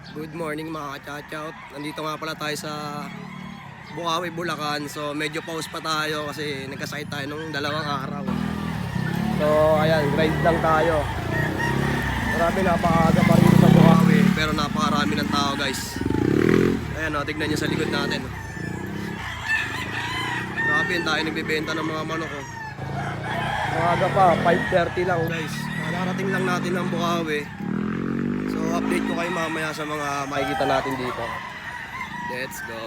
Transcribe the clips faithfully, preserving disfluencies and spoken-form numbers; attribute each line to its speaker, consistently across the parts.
Speaker 1: Good morning mga ka-chout. Nandito nga pala tayo sa Bukawi, Bulacan. So medyo pause pa tayo kasi nagkasakit tayo nung dalawang araw. So ayan, grind lang tayo. Marami, napakaaga pa rin sa Bukawi, pero napakarami ng tao guys. Ayan o, tignan nyo sa likod natin. Grabe, yun tayo nagbibenta ng mga manok o. Maaga pa, five thirty lang guys. Nakarating lang natin ng Bukawi. So update ko kayo mamaya sa mga makikita natin dito. Let's go.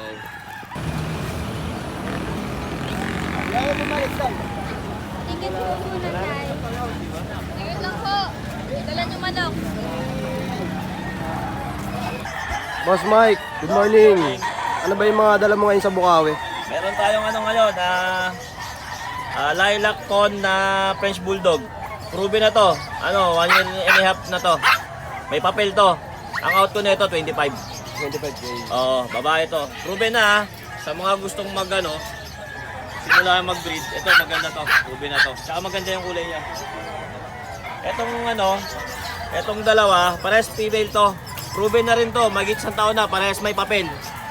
Speaker 2: Tingin po muna tayo. Tingin lang po. Dala nyo manok.
Speaker 1: Boss Mike, good morning. Ano ba yung mga dala mo ngayon sa Bukawi?
Speaker 3: Meron tayong ano ngayon na uh, lilac con na French Bulldog. Proven na to. Ano, one year and a half na to. May papel to. Ang out ko nito twenty-five.
Speaker 1: twenty-five K.
Speaker 3: Oo, babae to. Proven na ha. Sa mga gustong mag ano, simula mag-breed. Ito maganda to. Proven na to. Tsaka maganda yung kulay niya. Etong ano, etong dalawa, parehas female to. Proven na rin to. Magit isang taon na, parehas may papel.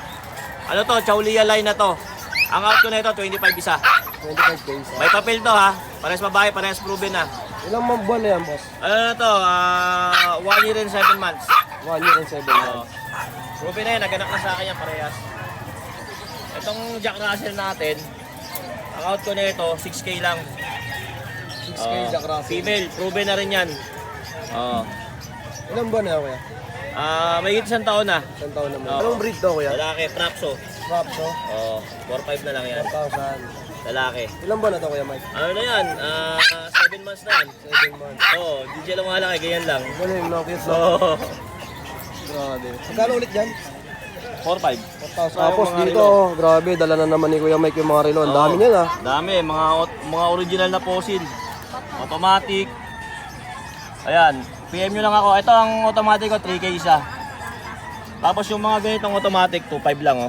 Speaker 3: Ano to, Chaulia line na to. Ang out ko nito twenty-five isa.
Speaker 1: twenty-five K.
Speaker 3: May papel to ha. Parehas babae, parehas proven na.
Speaker 1: Ilang mga buwan na yan, boss?
Speaker 3: Ano na to, ah, one year and seven months.
Speaker 1: One year and seven
Speaker 3: Oo.
Speaker 1: months.
Speaker 3: Proven na yan, naganak na sa akin yan parehas. Itong Jack Russell natin, ang out ko nito six K lang.
Speaker 1: six K
Speaker 3: Oo.
Speaker 1: Jack Russell.
Speaker 3: Female, proven na rin yan. Oo.
Speaker 1: Ilang buwan na yan, kuya?
Speaker 3: Ah, may isang taon na.
Speaker 1: Isang taon naman.
Speaker 3: Oo.
Speaker 1: Anong breed to, kuya?
Speaker 3: Lalaki, Prapso.
Speaker 1: Props, no?
Speaker 3: Oo, four five na lang yan.
Speaker 1: four thousand.
Speaker 3: Lalaki.
Speaker 1: Ilang buwan na to, kuya Mike?
Speaker 3: Ano na yan? Ah, seven months na yan.
Speaker 1: seven months.
Speaker 3: Oo, D J lang malaki, ganyan lang.
Speaker 1: Galing, no? Cute, no?
Speaker 3: Oo.
Speaker 1: Grabe. Magkano ulit dyan?
Speaker 3: four five.
Speaker 1: four thousand.
Speaker 3: Sayang
Speaker 1: Tapos
Speaker 3: mga
Speaker 1: dito, grabe, dala na naman ni Kuya Mike yung mga relo. Ang dami niyan, ah.
Speaker 3: Dami, mga ot- mga original na fossil. Automatic. Ayan, P M nyo lang ako. Ito ang automatic ko, three K isa. Tapos yung mga ganitong automatic, two five lang oh.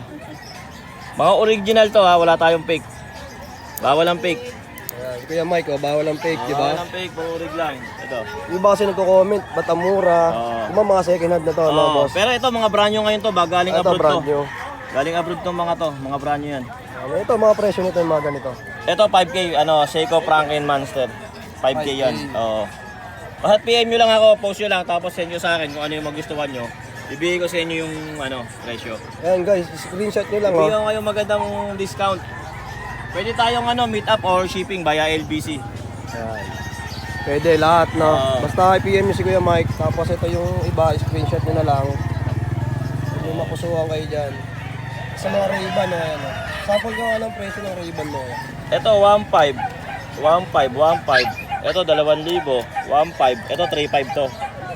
Speaker 3: Mga original to ha, wala tayong fake. Bawal ang fake.
Speaker 1: Ayan, si Kuya Mike, oh, bawal ang fake, di ba?
Speaker 3: Bawal ang fake, puro orig lang. Ito.
Speaker 1: Yung iba kasi nagko-comment, ba't ang mura?
Speaker 3: Oo.
Speaker 1: Yung mga mga second hand na to, no,
Speaker 3: Oo,
Speaker 1: boss?
Speaker 3: pero ito mga brand new ngayon to, ba galing
Speaker 1: Ito,
Speaker 3: abroad
Speaker 1: brand
Speaker 3: to.
Speaker 1: new.
Speaker 3: Galing abroad tong mga to, mga brand new yan.
Speaker 1: Ano, ito, mga presyo nito, yung mga ganito.
Speaker 3: Ito five K, ano, Seiko Franklin Monster. five K yan. Oo. Basta P M nyo lang ako, post nyo lang, tapos send nyo sa akin kung ano yung magustuhan nyo. Ibigay ko sa inyo yung ano, presyo.
Speaker 1: Ayan guys, screenshot nyo lang, oh.
Speaker 3: Ibigay ko kayong magandang discount. Pwede tayong ano, meet up or shipping via L B C.
Speaker 1: Ayan. Pwede lahat, no?
Speaker 3: Oo.
Speaker 1: Basta i-P M nyo si Kuya Mike, tapos ito yung iba, screenshot nyo na lang. Kung yung makusuhan kayo dyan. Sa mga Ray-Ban, oh, ayan, oh. Sample ka nga ng presyo ng Ray-Ban mo, oh.
Speaker 3: Ito one five. one five, one five. Ito dalawang libo, one five. Ito three five to.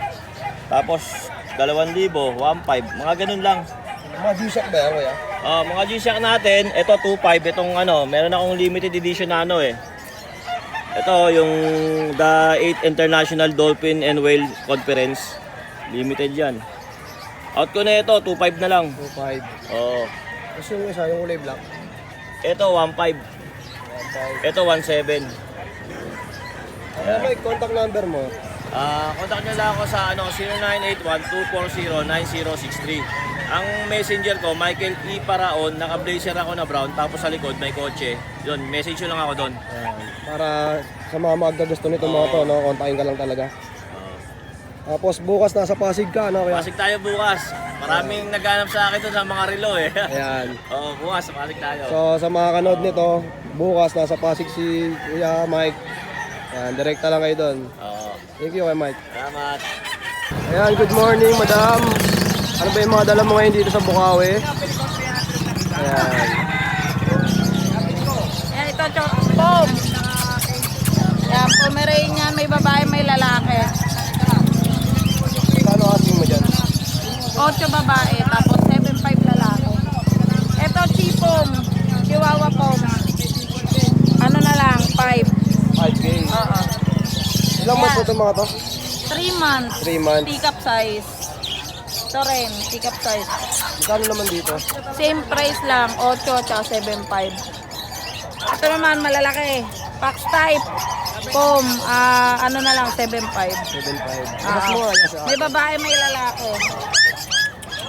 Speaker 3: Tapos dalawang libo, one five. Mga ganun lang.
Speaker 1: Mga G-Shock ba yan, Kuya?
Speaker 3: Ah, mga G-Shock natin, ito two five. Itong ano, meron akong limited edition na ano eh. Ito yung the eighth International Dolphin and Whale Conference. Limited yan. Out ko na ito, two five na lang.
Speaker 1: two five.
Speaker 3: Oo.
Speaker 1: Tapos yung isa, yung kulay black.
Speaker 3: Ito one five.
Speaker 1: one five.
Speaker 3: Ito one seven.
Speaker 1: Ano Mike, contact number mo?
Speaker 3: Ah, contact nyo lang ako sa ano zero nine eight one, two four zero, nine zero six three. Ang messenger ko, Michael E. Paraon, naka-blazer ako na brown, tapos sa likod may kotse. Yun, message nyo lang ako doon.
Speaker 1: Ayan. Para sa mga magkagusto nito mga to, no? Kontakin ka lang talaga. Tapos bukas nasa Pasig ka, no? Kuya?
Speaker 3: Pasig tayo bukas. Maraming naghanap sa akin doon sa mga relo eh.
Speaker 1: Ayan.
Speaker 3: Oo, bukas, Pasig tayo.
Speaker 1: So sa mga kanood nito, bukas nasa Pasig si Kuya Mike. Ayan, direkta lang kayo doon.
Speaker 3: Oo.
Speaker 1: Thank you, Kuya Mike.
Speaker 3: Salamat.
Speaker 1: Ayan, good morning, madam. Ano ba yung mga dala mo ngayon dito sa Bukawi? Ayan.
Speaker 2: Ayan, ito, pom. Ayan, Pomeranian, may babae, may lalaki.
Speaker 1: Kano asking mo dyan?
Speaker 2: Ocho babae, tapos seven five lalaki. Ito, chipom. Chihuahua pom. Ano na lang, five.
Speaker 1: five K.
Speaker 2: Oo.
Speaker 1: Ilang months po itong mga to?
Speaker 2: three months.
Speaker 1: three months.
Speaker 2: Pick-up size. Ito rin, pick-up size.
Speaker 1: Magkano naman dito?
Speaker 2: Same price lang, ocho at seven five. Ito naman, malalaki. Pax type. Pom, ah, ano na lang, seven five.
Speaker 1: seven five.
Speaker 2: Ah,
Speaker 1: Mas mura niya sa
Speaker 2: may babae, may lalaki.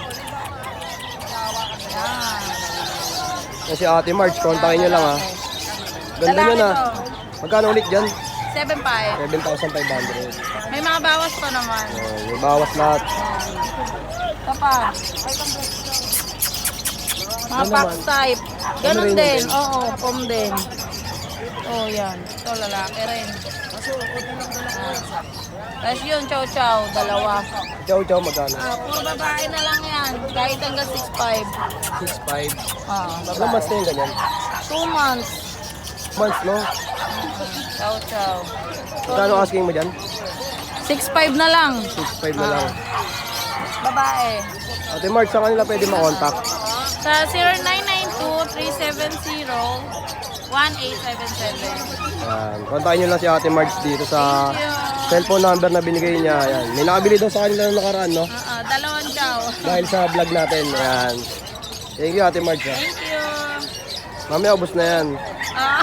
Speaker 1: Yan si Ate March, kontakin nyo lang ha. Ganda
Speaker 2: Lalaki
Speaker 1: nyo na.
Speaker 2: to.
Speaker 1: Magkano ulit dyan?
Speaker 2: seven five.
Speaker 1: seven thousand five hundred.
Speaker 2: May mga bawas pa naman.
Speaker 1: Oh, may bawas lahat.
Speaker 2: Ito pa. Mga
Speaker 1: Ano
Speaker 2: box
Speaker 1: naman?
Speaker 2: type.
Speaker 1: Ano
Speaker 2: Ganun
Speaker 1: rin
Speaker 2: din.
Speaker 1: yun?
Speaker 2: Oo, pom din. Oh, yan. Ito, lalaki rin. Ah. Tapos yun, chow chow, dalawa.
Speaker 1: Chow chow magkano?
Speaker 2: Ah, puro babae na lang yan. Kahit hanggang six five.
Speaker 1: six five.
Speaker 2: Ah,
Speaker 1: Ilang
Speaker 2: babae.
Speaker 1: months na yung ganyan?
Speaker 2: two months.
Speaker 1: Months, no?
Speaker 2: Chow chow.
Speaker 1: Magkano asking mo dyan?
Speaker 2: six five na lang.
Speaker 1: six five na lang.
Speaker 2: Babae.
Speaker 1: Ate March, sa kanila pwede makontak?
Speaker 2: Sa zero nine nine two, three seven zero, one eight seven seven.
Speaker 1: Yan. Kontakin nyo lang si Ate March dito sa
Speaker 2: Thank you.
Speaker 1: cellphone number na binigay niya. Yan. May nakabili daw sa kanila nung nakaraan, no?
Speaker 2: Ah, ah, dalawang chow.
Speaker 1: Dahil sa vlog natin. Yan. Thank you, Ate March. Ha?
Speaker 2: Thank you.
Speaker 1: Mamaya, ubos na yan.
Speaker 2: Ah,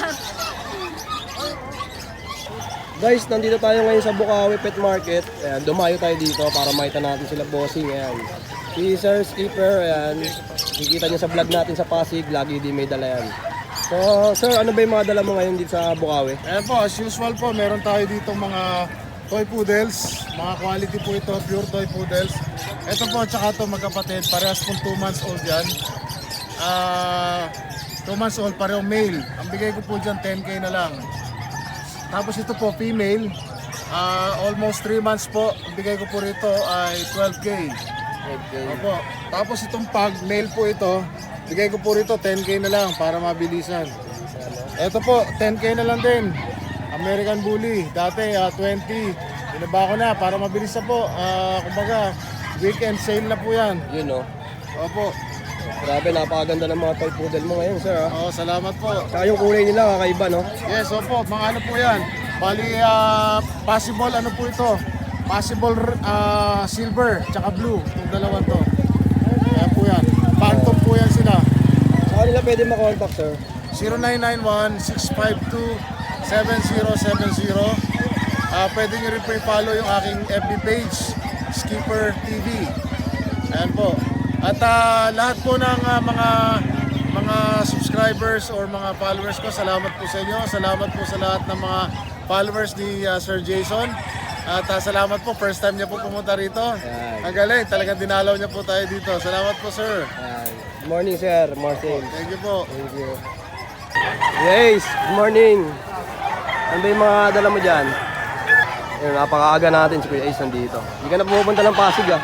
Speaker 1: Guys, nandito tayo ngayon sa Bukawi Pet Market. Ayan, dumayo tayo dito para makita natin sila bossing. Ayan. Si Sir Skipper, ayan. Kikita niyo sa vlog natin sa Pasig, lagi di may dala yan. So, sir, ano ba yung mga dala mo ngayon dito sa Bukawi?
Speaker 4: Ayan po, as usual po, meron tayo dito mga toy poodles. Mga quality po ito, pure toy poodles. Ito po, tsaka ito magkapatid, parehas pong two months old yan. Ah, two months old, pareho male. Ang bigay ko po dyan, ten K na lang. Tapos ito po, female. Ah, almost three months po. Ang bigay ko po rito ay twelve K.
Speaker 1: Okay.
Speaker 4: Opo. Tapos itong pag, male po ito. Bigay ko po rito ten K na lang para mabilisan. Ito po, ten K na lang din. American Bully. Dati ah, twenty. Binaba ko na para mabilis na po. Ah, kumbaga, weekend sale na po yan.
Speaker 1: Yun, no?
Speaker 4: Opo.
Speaker 1: Grabe, napakaganda ng mga toy poodle mo ngayon, sir. Ha?
Speaker 4: Oh, salamat po.
Speaker 1: Saka yung kulay nila, kakaiba, no?
Speaker 4: Yes, opo. Mga ano po yan. Bali, ah, possible ano po ito. Possible ah, silver, tsaka blue. Itong dalawang to. Ayan po yan. Phantom po yan sila.
Speaker 1: Sa kanila pwede makontak, sir.
Speaker 4: zero nine nine one, six five two, seven zero seven zero. Ah, pwede nyo rin po i-follow yung aking F B page, Skipper T V. Ayan po. At ah, lahat po ng ah, mga mga subscribers or mga followers ko, salamat po sa inyo. Salamat po sa lahat ng mga followers ni ah, Sir Jason. At ah, salamat po, first time niya po pumunta rito.
Speaker 1: Yan.
Speaker 4: Ang galing, talagang dinalaw niya po tayo dito. Salamat po, sir.
Speaker 1: Ayan. Good morning, sir. Martin.
Speaker 4: Thank you po.
Speaker 1: Thank you. Yes, good morning. Ano ba yung mga dala mo dyan? Ayun, napakaaga natin si Kuya Ace nandito. Hindi ka na pumupunta ng Pasig, ah.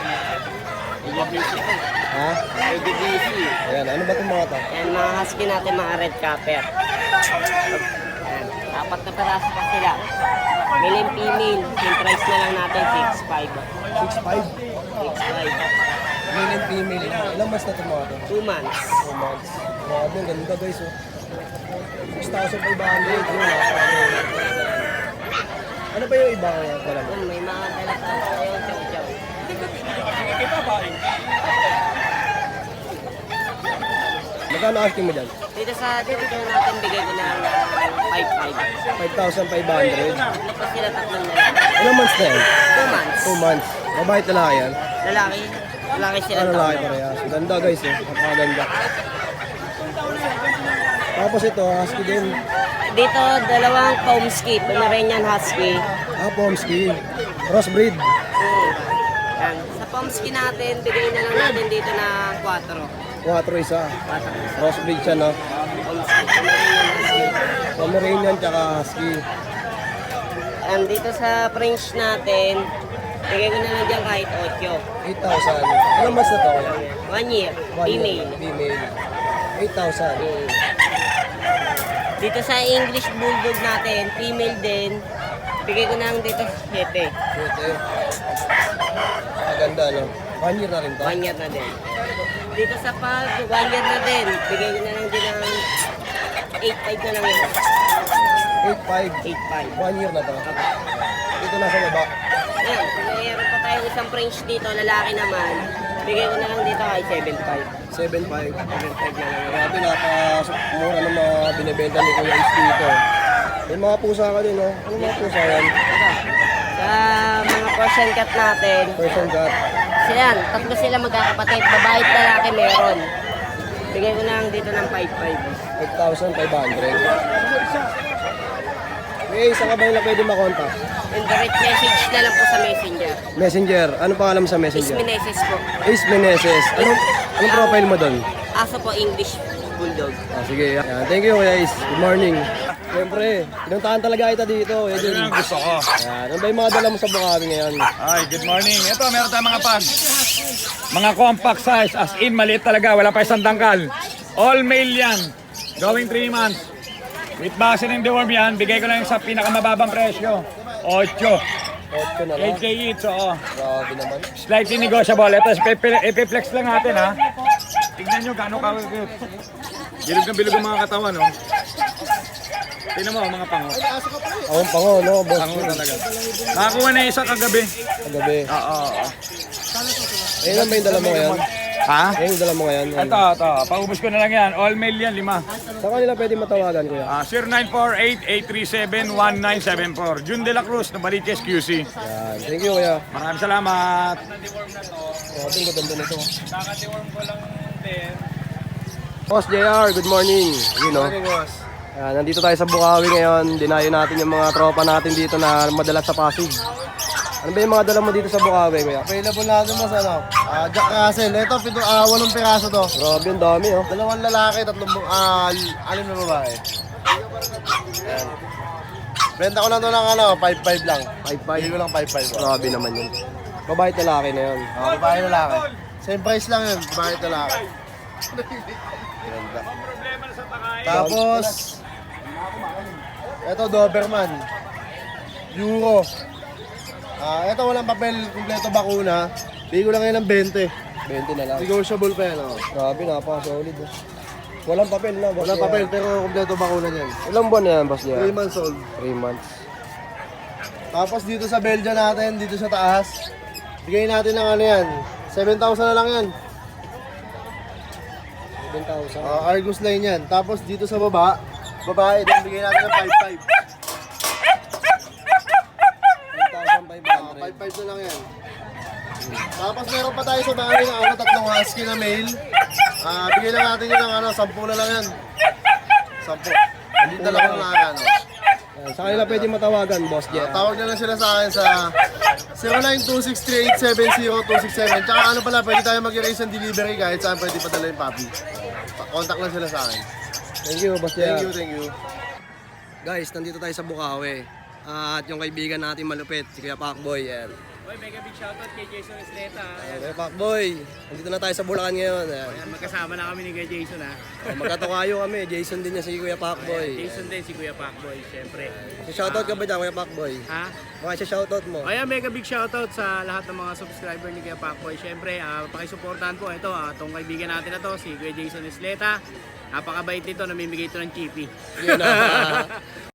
Speaker 1: Ha? Ayan, ano ba itong mga to?
Speaker 5: Yan, mga husky natin, mga red capper. Yan, apat na peraso pa sila. Male and female, yung price na lang natin, six five.
Speaker 1: six five.
Speaker 5: six five.
Speaker 1: Male and female. Ilang months na itong mga to?
Speaker 5: two months.
Speaker 1: two months. Grabe, ang ganda guys, oh. six thousand five hundred. Yun, napakaganda. Ano ba yung iba ang dala mo?
Speaker 5: Yun, may mga dala tayo, chow chow.
Speaker 1: Magkano asking mo dyan?
Speaker 5: Dito sa, dito na natin, bigay ko na five five.
Speaker 1: five thousand five hundred.
Speaker 5: Ano pa sila, tatlong na lang.
Speaker 1: Ilang months na yan?
Speaker 5: two months.
Speaker 1: two months. Babae at lalaki yan?
Speaker 5: Lalaki, lalaki sila.
Speaker 1: Ano lalaki parehas? Ganda guys, eh. Napakaganda. Tapos ito, husky din.
Speaker 5: Dito, dalawang Pomsky, Pomeranian Husky.
Speaker 1: Ah, Pomsky. Crossbreed.
Speaker 5: Hmm. Yan. Sa Pomsky natin, bigay na lang natin dito na four.
Speaker 1: Quattro isa. Crossbreed siya, no?
Speaker 5: Pomsky, Pomeranian Husky.
Speaker 1: Pomeranian tsaka husky.
Speaker 5: And dito sa French natin, bigay ko na lang dyan kahit eight.
Speaker 1: eight thousand. Ilang months na to?
Speaker 5: One year,
Speaker 1: One year.
Speaker 5: female.
Speaker 1: Female. eight thousand.
Speaker 5: Mm. Dito sa English Bulldog natin, female din, bigay ko na lang dito seven.
Speaker 1: Cute, eh. Maganda, no? One year na rin to?
Speaker 5: One year na din. Dito sa pag, one year na din, bigay ko na lang din ng eight five na lang yun.
Speaker 1: eight five.
Speaker 5: eight five.
Speaker 1: One year na to. Dito na sa baba.
Speaker 5: Ayan, mayroon pa tayong isang French dito, lalaki naman. Bigay ko na lang dito kay seven five.
Speaker 1: seven five.
Speaker 5: seven five na lang yun.
Speaker 1: Grabe, napaka-mura ng mga binibenta ni Kuya Ace dito. May mga pusa ka din, no? Ano mga pusa yan?
Speaker 5: Sa mga Persian cat natin,
Speaker 1: Person cat.
Speaker 5: sila yan, tatlo sila magkakapatid, babae at lalaki meron. Bigay ko lang dito ng five five.
Speaker 1: five thousand five hundred. Okay, saan ka ba yung pwede makontak?
Speaker 5: And direct message na lang po sa messenger.
Speaker 1: Messenger. Anong pangalan mo sa messenger?
Speaker 5: Ismineses po.
Speaker 1: Ace Meneses. Anong, anong profile mo doon?
Speaker 5: Aso po English Bulldog.
Speaker 1: Ah, sige. Yan. Thank you, Kuya Ace. Good morning. Siyempre, pinuntahan talaga kita dito. Yan
Speaker 6: Yun ang gusto ko.
Speaker 1: Yan. Ano ba yung mga dala mo sa Bukawi ngayon?
Speaker 6: Ay, good morning. Ito, meron tayong mga pag. Mga compact size, as in, maliit talaga. Wala pa isang tangkal. All male yan. Going three months. With vaccine and deworm yan, bigay ko lang sa pinakamababang presyo. eight.
Speaker 1: Otso na lang.
Speaker 6: eight K each, oo.
Speaker 1: Grabe naman.
Speaker 6: Slightly negotiable. Ito, ipi- ipiflex lang natin, ha. Tignan nyo gaano ka. Bilog na bilog ang mga katawan, no. Tignan mo, mga pango.
Speaker 1: Ako ang pango, no? Boss.
Speaker 6: Pango talaga. Nakakuha na isa kagabi.
Speaker 1: Kagabi.
Speaker 6: Oo, oo.
Speaker 1: Eh, ilan ba yung dala mo ngayon?
Speaker 6: Ha?
Speaker 1: Eh, yung dala mo ngayon?
Speaker 6: Ito, ito. Paubos ko na lang yan. All male yan, lima.
Speaker 1: Saan kanila pwede matawagan, Kuya?
Speaker 6: Ah, zero nine four eight, eight three seven, one nine seven four. Jun De La Cruz, Novaliches Q C.
Speaker 1: Yan. Thank you, Kuya.
Speaker 6: Maraming salamat.
Speaker 1: Oh, tingko ganda nito. Boss J R, good morning. You know. Yan, nandito tayo sa Bukawi ngayon. Dinayo natin yung mga tropa natin dito na madalas sa Pasig. Ano ba yung mga dala mo dito sa Bukawi, Kuya?
Speaker 4: Available natin mas ano, ah, Jack Russell. Ito, pito, ah, walong piraso to.
Speaker 1: Grabe, ang dami, oh.
Speaker 4: Dalawang lalaki, tatlong, ah, anim na babae. Ayan. Benta ko lang to ng ano, five five lang.
Speaker 1: five
Speaker 4: Bigay
Speaker 1: five.
Speaker 4: ko lang five five.
Speaker 1: Grabe naman yun. Babae at lalaki na yun.
Speaker 4: Ah, babae lalaki. Same price lang yun, babae at lalaki. Ganda. Tapos, ito Doberman. Euro. Ah, ito walang papel, kumpleto bakuna. Bigay ko lang yan ng twenty.
Speaker 1: twenty na lang.
Speaker 4: Negotiable pa yan, oh.
Speaker 1: Grabe, napaka-solid. Oh. Walang papel na, boss.
Speaker 4: Walang
Speaker 1: J R.
Speaker 4: papel, pero kumpleto bakuna niyan.
Speaker 1: Ilang buwan na yan, boss J R?
Speaker 4: three months old.
Speaker 1: three months.
Speaker 4: Tapos dito sa Belgian natin, dito sa taas, bigay natin ng ano yan, seven thousand na lang yan.
Speaker 1: seven thousand.
Speaker 4: Uh, Argus line yan. Tapos dito sa baba, babae, din bigay natin ng five five.
Speaker 1: five thousand five hundred.
Speaker 4: five five na lang yan. Tapos meron pa tayo sa bahay na ano, tatlong husky na male. Ah, bigay lang natin yun ng ano, sampu na lang yan. Sampu. Hindi talaga na lang ano.
Speaker 1: Yan, sa kanila pwede matawagan, boss J
Speaker 4: Ah,
Speaker 1: R.
Speaker 4: tawag na lang sila sa akin sa zero nine two six three eight seven zero two six seven. Tsaka ano pala, pwede tayo mag-erase ng delivery kahit saan pwede padala yung puppy. Contact lang sila sa akin.
Speaker 1: Thank you, boss J R.
Speaker 4: Thank you, thank you.
Speaker 1: Guys, nandito tayo sa Bukawi. Ah, at yung kaibigan natin malupit, si Kuya Pacboy. Yan.
Speaker 7: Oy, mega big shoutout kay Jason Estreta.
Speaker 1: Ayan, Kuya Pacboy, nandito na tayo sa Bulacan ngayon. Ayan.
Speaker 7: Ayan, magkasama na kami ni Kuya Jason ha.
Speaker 1: Oh, magkatukayo kami, Jason din niya si Kuya Pacboy.
Speaker 7: Jason din si Kuya Pacboy, syempre.
Speaker 1: Si shoutout ka ba dyan, Kuya Pacboy?
Speaker 7: Ha?
Speaker 1: Baka siya shoutout mo.
Speaker 7: Ayan, mega big shoutout sa lahat ng mga subscriber ni Kuya Pacboy. Syempre, uh, pakisuportahan po ito, uh, itong kaibigan natin na to, si Kuya Jason Estreta. Napakabait nito, namimigay ito ng chippy.
Speaker 1: Yun na.